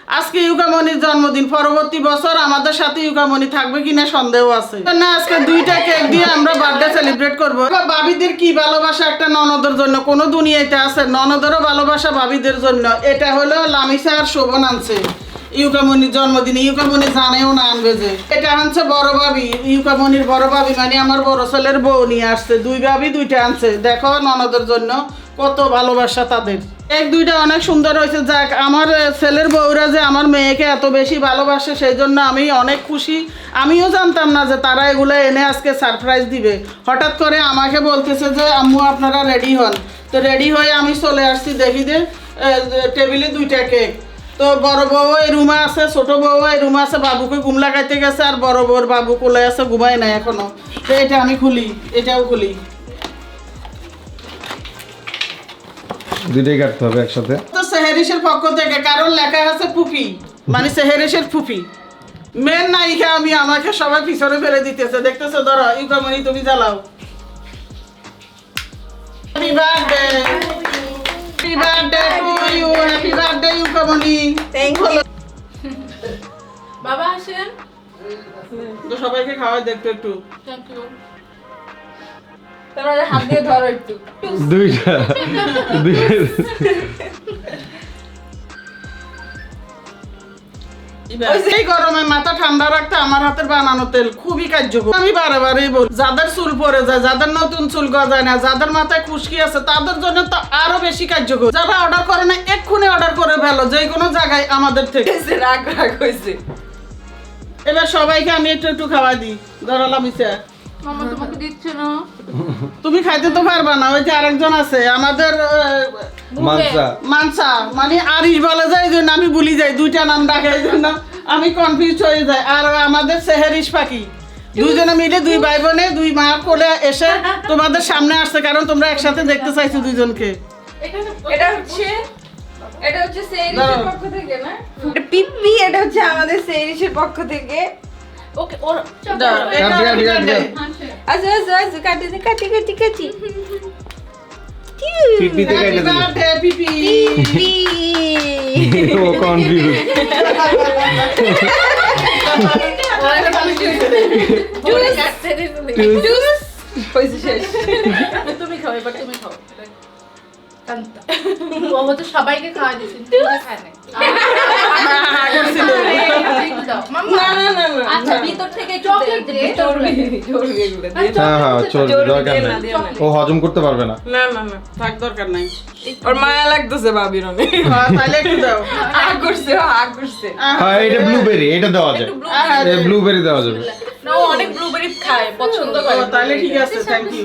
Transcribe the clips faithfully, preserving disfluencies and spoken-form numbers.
আজকে ইউকামনির জন্মদিন, পরবর্তী বছর আমাদের সাথে ইউকামনি থাকবে কিনা সন্দেহ আছে। না আজকে দুইটা কেক দিয়ে আমরা বার্থডে সেলিব্রেট করবো। ভাবিদের কি ভালোবাসা একটা ননদের জন্য, কোনো দুনিয়াতে আছে ননদেরও ভালোবাসা ভাবিদের জন্য। এটা হলো লামিসা আর শোভন আনছে ইউকামনির জন্মদিনে। ইউকামনি জানেও না আনবে যে এটা আনছে বড় ভাবি, ইউকামনির বড় ভাবি মানে আমার বড় ছেলের বউ নিয়ে আসছে। দুই ভাবি দুইটা আনছে, দেখো ননদের জন্য কত ভালোবাসা তাদের। এক দুইটা অনেক সুন্দর হয়েছে। যাক, আমার ছেলের বউরা যে আমার মেয়েকে এত বেশি ভালোবাসে সেই জন্য আমি অনেক খুশি। আমিও জানতাম না যে তারা এগুলো এনে আজকে সারপ্রাইজ দিবে। হঠাৎ করে আমাকে বলতেছে যে আম্মু আপনারা রেডি হন। তো রেডি হয়ে আমি চলে আসছি, দেখি যে টেবিলে দুইটা কেক। তো বড় বউ এই রুমে আছে, ছোট বউ এই রুমে আছে, বাবুকে ঘুম লাগাইতে গেছে, আর বড় বউর বাবু কোলে আছে, ঘুমায় নাই এখনো। তো এটা আমি খুলি, এটাও খুলি। দুইটাই কাটতে হবে একসাথে। তো সেহেরিসের পক্ষ থেকে, কারণ লেখা আছে ফুফি, মানে সেহেরিসের ফুফি মেন নায়িকা আমি, আমাকে সবাই পিছনে ফেলে দিতেছে। দেখতেছো, ধরো ইউকামনি তুমি জ্বালাও। Happy birthday, happy birthday to you, happy birthday ইউকামনি। থ্যাংক ইউ বাবা আসেন। তো সবাইকে খাওয়াই দেখতো একটু। Thank you. তোমরা হাত দিয়ে ধরো একটু। দুইটা এই গরমে মাথা ঠান্ডা রাখতে আমার হাতের বানানো তেল খুবই কার্যকর। আমি বারে বারেই বলি, যাদের চুল পড়ে যায়, যাদের নতুন চুল গজায় না, যাদের মাথায় খুশকি আছে, তাদের জন্য তো আরো বেশি কার্যকর। যারা অর্ডার করে না এক্ষুনি অর্ডার করে ফেলো, যে কোনো জায়গায় আমাদের থেকে। রাগ রাগ হয়েছে। এবার সবাইকে আমি একটু একটু খাওয়াই দিই। ধরালাম ইসা, মামা তোমাকে দিচ্ছে না। তুমি খাইতে তো পারবা না, ওই যে আরেকজন আছে আমাদের মানসা মানসা, মানে আরিশ বলে যায়, এই জন্য আমি ভুলি যাই, দুইটা নাম ডাকে এই জন্য আমি কনফিউজ হয়ে যাই। আর আমাদের সেহেরিস পাখি, দুইজনে মিলে দুই ভাই বোনে দুই মা কোলে এসে তোমাদের সামনে আসছে, কারণ তোমরা একসাথে দেখতে চাইছো দুইজনকে। এটা হচ্ছে এটা হচ্ছে সেরিসের পক্ষ থেকে না, এটা পিপি, এটা হচ্ছে আমাদের সেরিসের পক্ষ থেকে। ওকে ওর দাও, এটা কাটি, কাটি, কাটি, কাটি। আচ্ছা আচ্ছা আচ্ছা কাটি দে, কাটি কাটি কাটি পিপিতে Happy কেটে দিন। birthday, পিপি। পিপি ও কনফিউজ। ওরে কাটতে দে তুমি। জুস হইছে শেষ। তুমি খাও, এবার তুমি খাও। কান্তা ও হচ্ছে সবাইকে খাওয়া দিয়েছে, তুমি খায় না। মাম্মা না না না না আচ্ছা ভিতর থেকে চকলেট দে। চর্বি চর্বি এগুলো দিয়ে হ্যাঁ হ্যাঁ চলবে, চর্বি দরকার দিয়ে না, নাই। দিয়ে না। ও হজম করতে পারবে না। না না না থাক, দরকার নাই। ওর মায়া লাগতেছে ভাবির অনেক। হ্যাঁ, তাহলে একটু দাও। আগ করছে আগ করছে। হ্যাঁ এটা ব্লুবেরি, এটা দেওয়া যায়। এই ব্লুবেরি দেওয়া যাবে। না ও অনেক ব্লুবেরি খায়, পছন্দ ও, করে। তাহলে ঠিক আছে, থ্যাংক ইউ।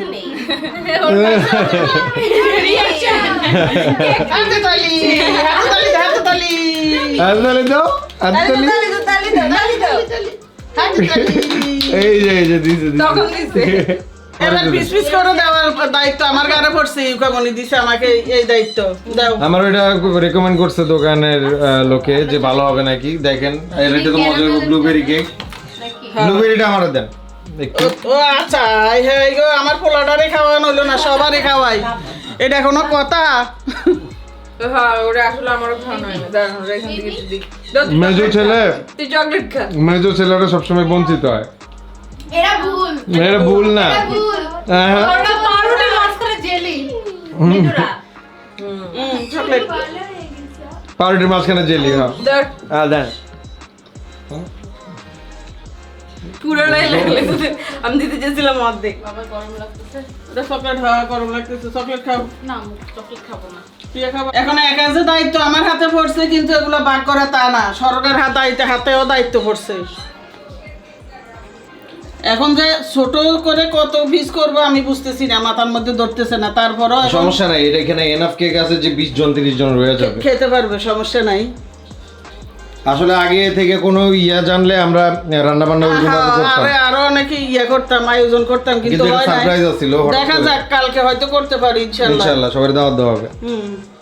হাতে তালি, হাতে তালি, হাতে তালি, আর তাহলে দাও, আর তাহলে তালি দাও তালি দাও তালি দাও। হাতে তালি। এই যে এই যে দিছে দিছে। তখন দিছে। এবার পিস পিস করে দেওয়ার দায়িত্ব আমার গাড়ে পড়ছে। ইউকামনি দিছে আমাকে এই দায়িত্ব। দাও। আমার ওইটা রেকমেন্ড করছে দোকানের আহ, লোকে যে ভালো হবে নাকি। দেখেন এর এটা তো মজার ব্লুবেরি কেক। ব্লুবেরিটা আমারে দেন একটু। ও ও আচ্ছা, হ্যাঁ গো, আমার পোলাটারে খাওয়ানো হলো না, সবারই খাওয়াই। এটা কোনো কথা? হ্যাঁ ওটা আসলে আমারও খাওয়ানো হয় না। দাঁড়ান ওরা এখান থেকে একটু দিই। দাও, তুই মেজো chocolate ছেলে, খা। তুই চকলেট খা। মেজো ছেলেরা সবসময় বঞ্চিত হয়। এরা ভুল। এটা ভুল না। এটা ভুল। হ্যাঁ, হ্যাঁ। ওটা পাউরুটির মাঝখানে জেলি। মিঠুরা। হুম, চকলেট। পাউরুটির মাঝখানে জেলি। হ্যাঁ দাও, হ্যাঁ দেন। পুরোটাই লাগলে তো- আমি দিতে চেয়েছিলাম অর্ধেক। বাবা গরম লাগতেছে। এটা চকলেট খাওয়া গরম লাগতেছে, চকলেট খাও। না আমি চকলেট খাবো না। প্রিয়া খাবো। এখন এক আছে দায়িত্ব আমার হাতে পড়ছে, কিন্তু এগুলো ভাগ করে তা না, সরকারের হাতে হাতেও দায়িত্ব পড়ছে। এখন যে ছোট করে কত পিস করবো আমি বুঝতেছি না, মাথার মধ্যে ধরতেছে না। তারপরও এখন সমস্যা নাই, এটা এখানে এনাফ কেক আছে যে বিশ জন তিরিশ জন রয়ে যাবে। খেতে পারবে, সমস্যা নাই। আসলে আগে থেকে কোনো ইয়া জানলে আমরা রান্না বান্না ওইভাবে করতাম, আরে আরো অনেকে ইয়ে করতাম, আয়োজন করতাম, কিন্তু কিন্তু এটা হয় নাই। সারপ্রাইজ ছিল। দেখা যাক, কালকে হয়তো করতে পারি ইনশাল্লাহ। ইনশাআল্লাহ সবার দাওয়াত দেওয়া হবে। হুম